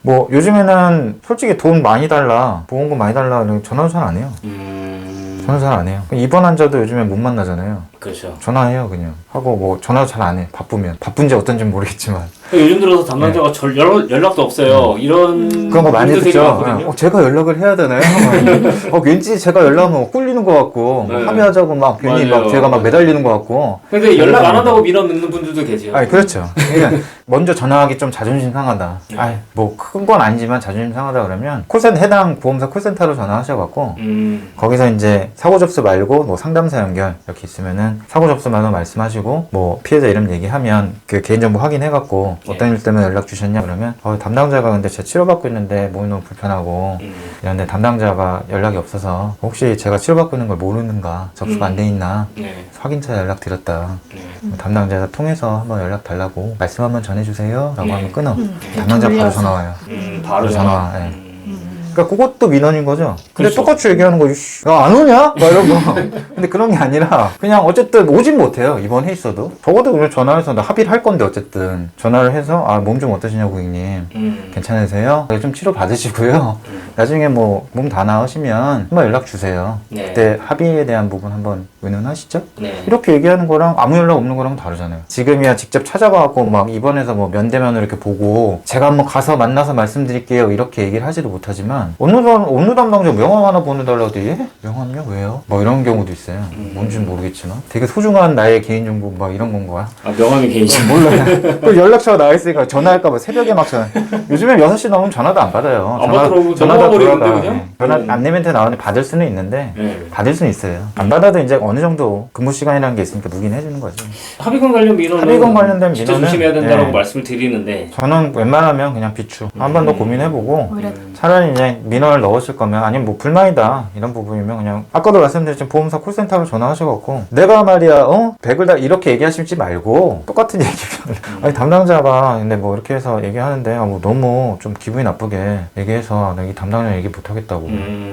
뭐 요즘에는 솔직히 돈 많이 달라, 보험금 많이 달라 전화도 잘 안 해요. 전화 잘 안 해요. 입원 환자도 요즘에 못 만나잖아요. 그렇죠. 전화해요 그냥. 하고 뭐 전화도 잘 안 해. 바쁘면. 바쁜지 어떤지 모르겠지만. 요즘 들어서 담당자가 연락도 없어요. 이런 그런 거 많이 분들 되게 듣죠. 많거든요. 제가 연락을 해야 되나요? 왠지 제가 연락하면 꿀리는 것 같고 네. 합의하자고 막 괜히 맞아요. 막 제가 막 매달리는 것 같고. 근데 연락 안 한다고 민원 넣는 분들도 계세요. 그렇죠. 그러니까 먼저 전화하기 좀 자존심 상하다. 뭐 큰 건 아니지만 자존심 상하다 그러면 해당 보험사 콜센터로 전화하셔갖고 거기서 이제 사고 접수 말고 뭐 상담사 연결 이렇게 있으면은 사고 접수만 말씀하시고 뭐 피해자 이름 얘기하면 그 개인정보 확인해갖고 어떤 일 때문에 연락 주셨냐 그러면 담당자가 근데 제가 치료받고 있는데 몸이 너무 불편하고 이런데 담당자가 연락이 없어서 혹시 제가 치료받고 있는 걸 모르는가 접수가 안 돼 있나 확인차 연락 드렸다. 담당자가 통해서 한번 연락 달라고 말씀 한번 전해주세요 라고 하면 끊어. 담당자 바로 전화 와요. 바로 전화 와. 그러니까 그것도 민원인 거죠. 근데 그렇죠. 똑같이 얘기하는 거, 야, 안 오냐? 막 이런 거. 근데 그런 게 아니라, 그냥 어쨌든 오진 못해요. 입원해 있어도. 적어도 그냥 전화해서 나 합의를 할 건데, 어쨌든. 전화를 해서, 몸 좀 어떠시냐고, 고객님. 괜찮으세요? 좀 치료 받으시고요. 나중에 뭐, 몸 다 나으시면 한번 연락 주세요. 네. 그때 합의에 대한 부분 한번 의논하시죠? 네. 이렇게 얘기하는 거랑 아무 연락 없는 거랑 다르잖아요. 지금이야 직접 찾아가고 막 입원해서 뭐 면대면으로 이렇게 보고 제가 한번 가서 만나서 말씀드릴게요. 이렇게 얘기를 하지도 못하지만 어느 담당자 명함 하나 보내달라고 해도 예? 명함요? 왜요? 뭐 이런 경우도 있어요. 뭔지는 모르겠지만 되게 소중한 나의 개인정보 막 이런 건 거야. 명함이 개인정보. 몰라요. 그 연락처가 나와 있으니까 전화할까봐 새벽에 막 전화. 요즘에 6시 넘으면 전화도 안 받아요. 전화도 돌아가. 전화 안내 멘트 나오는데 받을 수는 있는데 받을 수는 있어요. 안 받아도 이제 어느 정도 근무 시간이라는 게 있으니까 누긴 해주는 거죠. 합의금 관련 민원은 합의금 관련된 진짜 민원은 조심해야 된다고 말씀을 드리는데 저는 웬만하면 그냥 비추. 한 번 더 고민해보고 차라리 이제 민원을 넣으실 거면 아니면 뭐 불만이다 이런 부분이면 그냥 아까도 말씀드렸지만 보험사 콜센터로 전화하셔갖고 내가 말이야 100을 다 이렇게 얘기하시지 말고 똑같은 얘기면 아니 담당자가 근데 뭐 이렇게 해서 얘기하는데 뭐 너무 좀 기분이 나쁘게 얘기해서 나 이 담당자 얘기 못하겠다고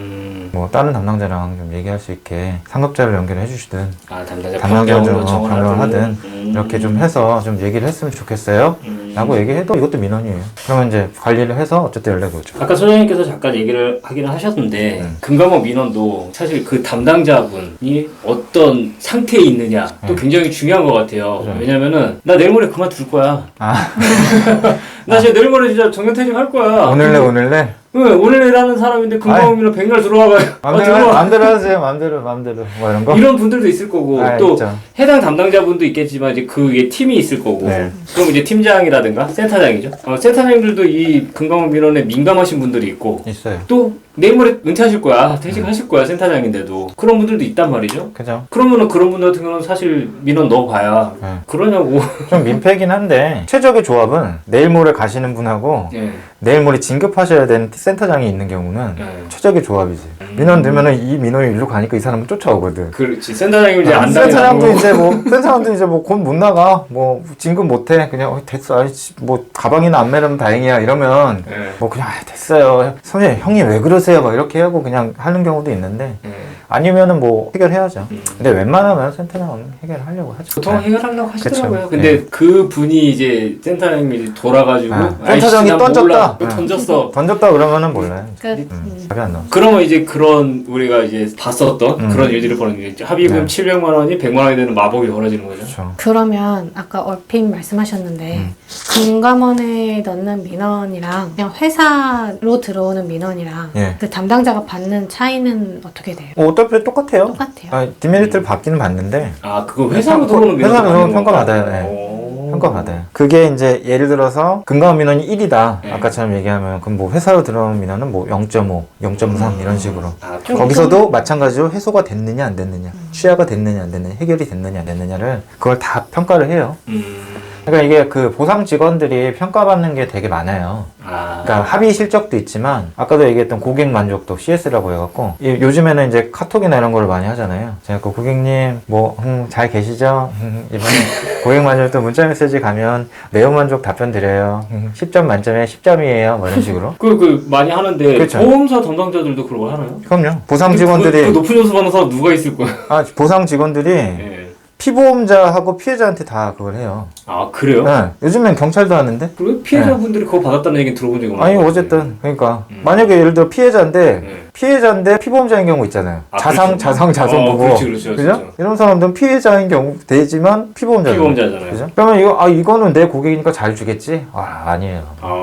뭐 다른 담당자랑 좀 얘기할 수 있게 상급자를 연결해 주시든 담당자 좀 변경을 하든 이렇게 좀 해서 좀 얘기를 했으면 좋겠어요 라고 얘기해도 이것도 민원이에요. 그러면 이제 관리를 해서 어쨌든 연락이 오죠. 아까 소장님께서 잠깐 얘기를 하기는 하셨는데 금감원 민원도 사실 그 담당자분이 어떤 상태에 있느냐 또 굉장히 중요한 것 같아요. 그렇죠. 왜냐면은 나 내일 모레 그만둘 거야. 나 진짜 내일 모레 진짜 정년퇴직할 거야. 오늘래 오늘이라는 사람인데 금감원민원 백날 들어와가지고 마음대로 하세요. 마음대로 뭐 이런 거 이런 분들도 있을 거고 또 있죠. 해당 담당자분도 있겠지만 이제 그 위에 팀이 있을 거고 그럼 이제 팀장이라든가 센터장이죠. 센터장님들도 이 금감원 민원에 민감하신 분들이 있고 있어요. 또 내일 모레 은퇴하실 거야. 퇴직하실 거야. 센터장인데도. 그런 분들도 있단 말이죠. 그죠. 그러면은 그런 분들 같은 경우는 사실 민원 넣어봐야 그러냐고. 좀 민폐긴 한데 최적의 조합은 내일 모레 가시는 분하고 내일 모레 진급하셔야 되는 센터장이 있는 경우는 최적의 조합이지. 민원 되면은 이 민원이 일로 가니까 이 사람은 쫓아오거든. 그렇지. 센터장님 이제 안 센터장도 이제 뭐 곧 못 나가. 뭐 진급 못 해. 그냥 됐어. 뭐 가방이나 안 매려면 다행이야. 이러면 뭐 그냥 됐어요. 선생님 형이 왜 그러세요? 막 이렇게 하고 그냥 하는 경우도 있는데 아니면은 뭐 해결해야죠. 근데 웬만하면 센터장은 해결하려고 하죠. 보통 해결하려고 하시더라고요. 그쵸. 근데 그 분이 이제 센터장님이 돌아가지고 센터장이 던졌다. 던졌다 그러면은 몰라요. 답이 안 나와. 그러면 이제 그런 우리가 이제 봤었던 그런 일들을 벌어지는 합의금 700만 원이 100만 원이 되는 마법이 벌어지는 거죠. 그렇죠. 그러면 아까 얼핏 말씀하셨는데 금감원에 넣는 민원이랑 그냥 회사로 들어오는 민원이랑 그 담당자가 받는 차이는 어떻게 돼요? 어차피 똑같아요. 똑같아요. 디메리트를 받기는 받는데 그거 회사로 들어오는 민원 회사로 평가받아요. 평가받아요. 그게 이제 예를 들어서 금감원 민원이 1이다. 아까처럼 얘기하면 그럼 뭐 회사로 들어오는 민원은 뭐 0.5, 0.3 이런 식으로. 거기서도 마찬가지로 해소가 됐느냐 안 됐느냐, 취하가 됐느냐 안 됐느냐, 해결이 됐느냐 안 됐느냐를 그걸 다 평가를 해요. 그러니까 이게 그 보상 직원들이 평가받는 게 되게 많아요. 그러니까 합의 실적도 있지만 아까도 얘기했던 고객 만족도 CS라고 해갖고 요즘에는 이제 카톡이나 이런 걸 많이 하잖아요. 제가 그 고객님 뭐 잘 계시죠? 이번에 고객 만족도 문자 메시지 가면 내용 만족 답변 드려요. 10점 만점에 10점이에요. 뭐 이런 식으로. 많이 하는데 그렇죠. 보험사 담당자들도 그런 걸 하나요? 그럼요. 보상 직원들이 그 높은 점수 받는 사람 누가 있을 거야? 보상 직원들이 피보험자하고 피해자한테 다 그걸 해요. 아 그래요? 네. 요즘엔 경찰도 하는데. 그리고 피해자분들이 그거 받았다는 얘기는 들어본 적이 없는 아니 것 같아요. 어쨌든 그러니까 만약에 예를 들어 피해자인데 네. 피해자인데 피보험자인 경우 있잖아요. 아, 자상 보고. 그렇지, 그렇죠. 그죠? 이런 사람들은 피해자인 경우 되지만 피보험자잖아요. 피보험자잖아요. 그죠? 그러면 이거는 내 고객이니까 잘 주겠지? 아니에요.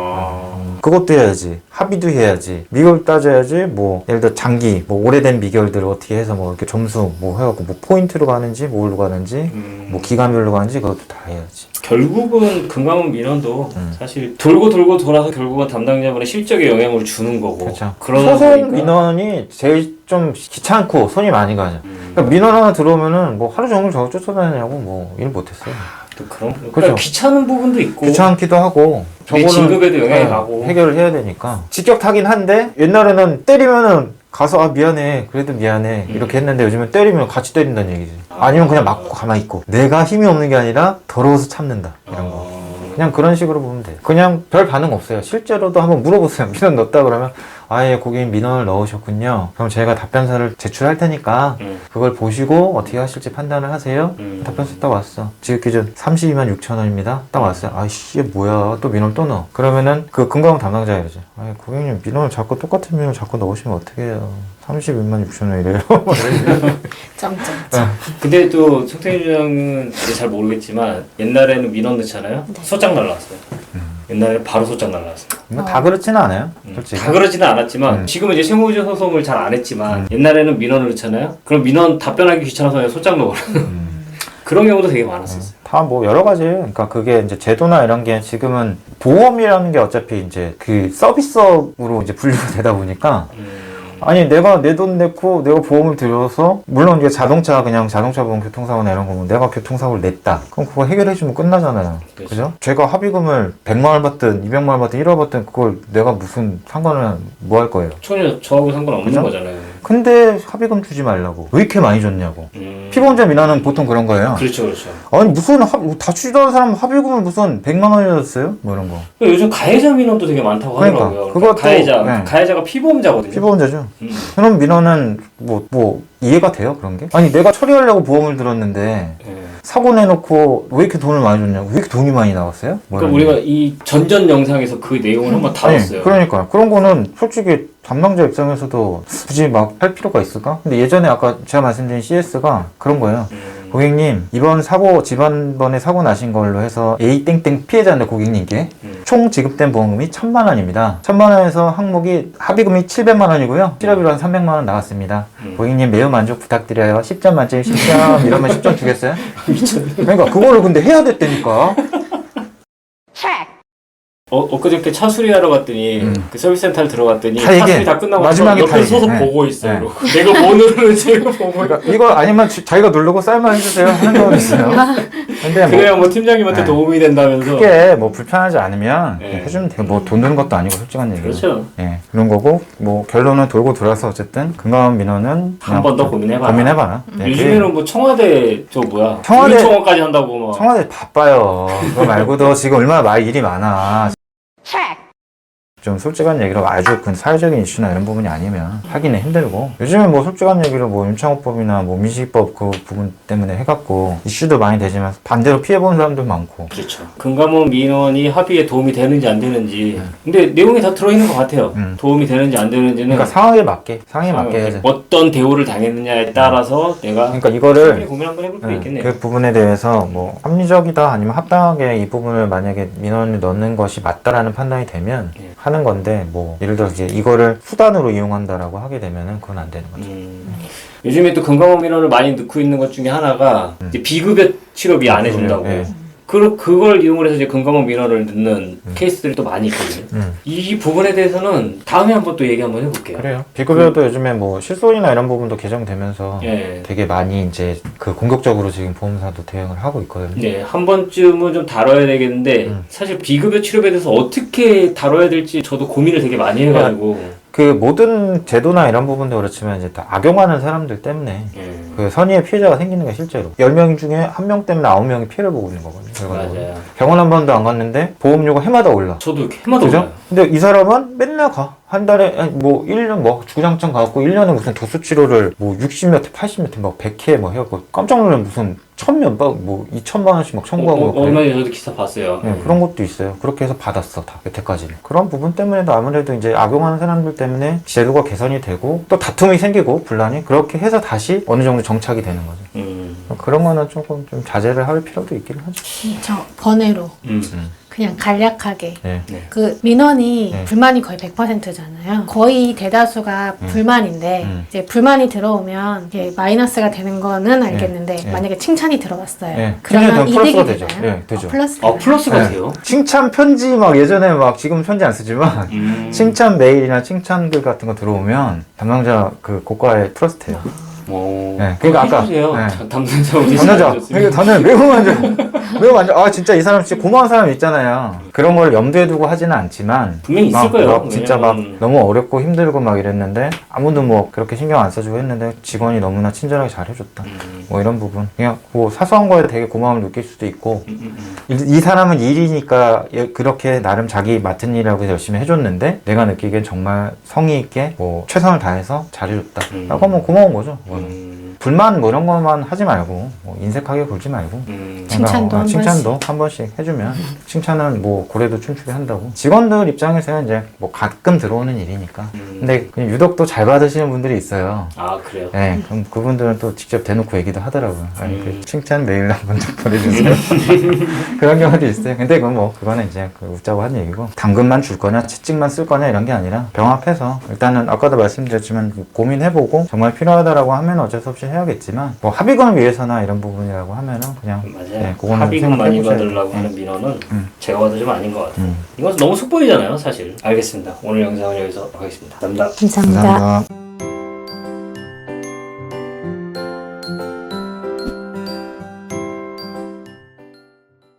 그것도 해야지. 합의도 해야지. 미결 따져야지. 뭐 예를 들어 장기 뭐 오래된 미결들을 어떻게 해서 뭐 이렇게 점수 뭐 해갖고 뭐 포인트로 가는지 뭘로 가는지 뭐 기간별로 가는지 그것도 다 해야지. 결국은 금감원 민원도 사실 돌고 돌아서 결국은 담당자분의 실적에 영향을 주는 거고. 그렇죠. 그러다 소송 보니까 민원이 제일 좀 귀찮고 손이 많이 가죠. 그러니까 민원 하나 들어오면은 뭐 하루 종일 저거 쫓아다니냐고 뭐 일 못했어요. 또 그런 그러니까 그죠. 귀찮은 부분도 있고 귀찮기도 하고 내 진급에도 영향이 네, 가고. 해결을 해야 되니까 직격타긴 한데 옛날에는 때리면은 가서 미안해 그래도 미안해 이렇게 했는데 요즘은 때리면 같이 때린다는 얘기지. 아니면 그냥 맞고 가만히 있고 내가 힘이 없는 게 아니라 더러워서 참는다 이런 거. 그냥 그런 식으로 보면 돼요. 그냥 별 반응 없어요. 실제로도 한번 물어보세요. 민원 넣었다 그러면 아예 고객님 민원을 넣으셨군요. 그럼 저희가 답변서를 제출할 테니까 그걸 보시고 어떻게 하실지 판단을 하세요. 답변서 딱 왔어. 지급 기준 32만 6천 원입니다. 딱 왔어요. 아이씨 뭐야 또 민원 또 넣어. 그러면은 그 금감원 담당자가 이러지. 아 고객님 민원을 자꾸 똑같은 민원을 자꾸 넣으시면 어떻게 해요. 32만 6천 원이래요. 점점. 근데 또 송태인 주장은 이제 잘 모르겠지만 옛날에는 민원 넣잖아요. 소장 날라왔어요. 옛날에 바로 소장 날라왔어요. 다 그렇지는 않아요. 솔직히. 다 그러지는 않았지만 지금은 이제 세무조 소송을 잘 안 했지만 옛날에는 민원을 넣잖아요. 그럼 민원 답변하기 귀찮아서 그냥 소장 넣어라. 그런 경우도 되게 많았었어요. 다 뭐 여러 가지. 그러니까 그게 이제 제도나 이런 게 지금은 보험이라는 게 어차피 이제 그 서비스업으로 이제 분류가 되다 보니까 아니 내가 내 돈 내고 내가 보험을 들여서 물론 이게 그냥 자동차 보험 교통사고나 이런 거면 내가 교통사고를 냈다 그럼 그거 해결해주면 끝나잖아요. 그죠? 제가 합의금을 100만 원 받든 200만 원 받든 1억 받든 그걸 내가 무슨 상관을 뭐 할 거예요. 전혀 저하고 상관없는 그죠? 거잖아요. 근데 합의금 주지 말라고 왜 이렇게 많이 줬냐고. 피보험자 민원은 보통 그런 거예요. 그렇죠. 아니 무슨 다치지도 않은 사람 합의금을 무슨 100만 원이나 줬어요? 뭐 이런 거. 요즘 가해자 민원도 되게 많다고 그러니까, 하더라고요. 그것도, 가해자가 피보험자거든요. 피보험자죠. 그럼 민원은 뭐 이해가 돼요 그런 게? 아니 내가 처리하려고 보험을 들었는데 사고 내놓고 왜 이렇게 돈을 많이 줬냐고. 왜 이렇게 돈이 많이 나왔어요? 그러니까 우리가 이 전전 영상에서 그 내용을 한번 다뤘어요. 그러니까 그런 거는 솔직히 담당자 입장에서도 굳이 막 할 필요가 있을까? 근데 예전에 아까 제가 말씀드린 CS가 그런 거예요. 고객님 이번 지난번에 사고 나신 걸로 해서 A 땡땡 피해자인데 고객님께 총 지급된 보험금이 1,000만 원입니다. 1,000만 원에서 항목이 합의금이 700만 원이고요. 실업비로 한 300만 원 나왔습니다. 고객님 매우 만족 부탁드려요. 10점 만점에 10점 이러면 10점 주겠어요? 그러니까 그거를 근데 해야 됐다니까. 엊그저께 차 수리하러 갔더니 그 서비스센터를 들어갔더니 다 차 얘기해. 수리 다 끝나고 마지막에 옆에 다 서서 얘기해. 보고 있어요. 네. 내가 뭐 누르는지 제가 보고 그러니까 이거 아니면 자기가 누르고 쌀만 해주세요 하는 경우도 있어요. 근데 그래야 뭐 팀장님한테 도움이 된다면서. 크게 뭐 불편하지 않으면 네. 해주면 돼요. 뭐 돈 드는 것도 아니고 솔직한 얘기로. 그렇죠. 예, 그런 거고 뭐 결론은 돌고 돌아서 어쨌든 금감원 민원은 한 번 더 고민해봐라. 네, 요즘에는 뭐 청와대 청와대 청원까지 한다고 막. 청와대 바빠요. 그거 말고도 지금 얼마나 일이 많아. 좀 솔직한 얘기로 아주 큰 사회적인 이슈나 이런 부분이 아니면 하기는 힘들고 요즘은 뭐 솔직한 얘기로 뭐 임창호법이나 뭐 민식이법 그 부분 때문에 해갖고 이슈도 많이 되지만 반대로 피해본 사람도 많고. 그렇죠. 금감원 민원이 합의에 도움이 되는지 안 되는지 근데 내용이 다 들어있는 것 같아요. 도움이 되는지 안 되는지는 그러니까 상황에 맞게 해야지. 어떤 대우를 당했느냐에 따라서 내가 그러니까 이거를 고민 한번 해볼 필요 있겠네요. 그 부분에 대해서 뭐 합리적이다 아니면 합당하게 이 부분을 만약에 민원을 넣는 것이 맞다라는 판단이 되면 하는 건데 뭐 예를 들어서 이제 이거를 수단으로 이용한다라고 하게 되면은 그건 안 되는 거죠. 요즘에 또 금감원 민원을 많이 넣고 있는 것 중에 하나가 이제 비급여 치료비 안 해준다고. 그걸 이용을 해서 이제 금감원 민원을 넣는 케이스들이 또 많이 있거든요. 이 부분에 대해서는 다음에 한번 또 얘기 한번 해볼게요. 그래요. 비급여도 요즘에 뭐 실손이나 이런 부분도 개정되면서 되게 많이 이제 그 공격적으로 지금 보험사도 대응을 하고 있거든요. 네, 한 번쯤은 좀 다뤄야 되겠는데 사실 비급여 치료비에 대해서 어떻게 다뤄야 될지 저도 고민을 되게 많이 해가지고. 그 모든 제도나 이런 부분도 그렇지만 이제 다 악용하는 사람들 때문에 그 선의의 피해자가 생기는 게 실제로 10명 중에 1명 때문에 9명이 피해를 보고 있는 거거든요. 맞아요. 병원 한 번도 안 갔는데 보험료가 해마다 올라. 저도 해마다 그죠? 올라요. 근데 이 사람은 맨날 가. 한 달에 아니, 뭐 1년 뭐 주구장창 가고 1년에 무슨 도수 치료를 뭐 60몇 회, 80몇 회, 막 100회 뭐 해갖고 깜짝 놀란 무슨 천몇박 뭐 2천만 원씩 막 청구하고 그래요. 얼마 전에 저도 기사 봤어요. 네, 그런 것도 있어요. 그렇게 해서 받았어 다 여태까지는. 그런 부분 때문에도 아무래도 이제 악용하는 사람들 때문에 제도가 개선이 되고 또 다툼이 생기고 분란이 그렇게 해서 다시 어느 정도 정착이 되는 거죠. 그런 거는 조금 좀 자제를 할 필요도 있긴 하죠. 저 번외로 그냥 간략하게 네. 그 민원이 네. 불만이 거의 100%잖아요. 거의 대다수가 불만인데 이제 불만이 들어오면 이게 마이너스가 되는 거는 알겠는데 네. 만약에 칭찬이 들어왔어요. 네. 그러면 칭찬이 이득이 되죠. 되나요? 네, 되죠. 플러스 아, 플러스가 네. 돼요? 칭찬 편지 막 예전에 막 지금 편지 안 쓰지만 칭찬 메일이나 칭찬글 같은 거 들어오면 담당자 그 고과에 플러스 돼요. 오. 네, 그러니까 아까 해주세요. 네. 담당자 오지 담당자 저는 매우 만족 아 진짜 이 사람 진짜 고마운 사람 있잖아요. 그런 걸 염두에 두고 하지는 않지만 분명히 있을 막, 거예요. 막 진짜 막 왜냐면- 너무 어렵고 힘들고 막 이랬는데 아무도 뭐 그렇게 신경 안 써주고 했는데 직원이 너무나 친절하게 잘해줬다. 뭐 이런 부분 그냥 뭐 사소한 거에 되게 고마움을 느낄 수도 있고 이 사람은 일이니까 그렇게 나름 자기 맡은 일이라고 해서 열심히 해줬는데 내가 느끼기엔 정말 성의 있게 뭐 최선을 다해서 잘해줬다 라고 하면 고마운 거죠. 그거는. 불만 뭐 이런 것만 하지 말고 뭐 인색하게 굴지 말고 칭찬도 한 칭찬도 한 번씩 해주면 칭찬은 뭐 고래도 춤추게 한다고. 직원들 입장에서는 이제 뭐 가끔 들어오는 일이니까 근데 그냥 유독 또 잘 받으시는 분들이 있어요. 아, 그래요? 네, 그럼 그분들은 또 직접 대놓고 얘기도 하더라고요. 아니, 그 칭찬 메일 한번 좀 보내주세요. 그런 경우도 있어요. 근데 그건 뭐, 그거는 이제 그 웃자고 한 얘기고, 당근만 줄 거냐, 채찍만 쓸 거냐, 이런 게 아니라, 병합해서, 일단은 아까도 말씀드렸지만, 고민해보고, 정말 필요하다라고 하면 어쩔 수 없이 해야겠지만, 뭐, 합의금을 위해서나 이런 부분이라고 하면은, 그냥, 맞아요. 네, 그거는 합의금 많이 생각해보셔야 받으려고 돼요. 하는 민원은 제가 봐도 좀 아닌 것 같아요. 음. 이건 너무 속보이잖아요, 사실. 알겠습니다. 오늘 영상은 여기서 하겠습니다. 감사합니다. 감사합니다. 감사합니다.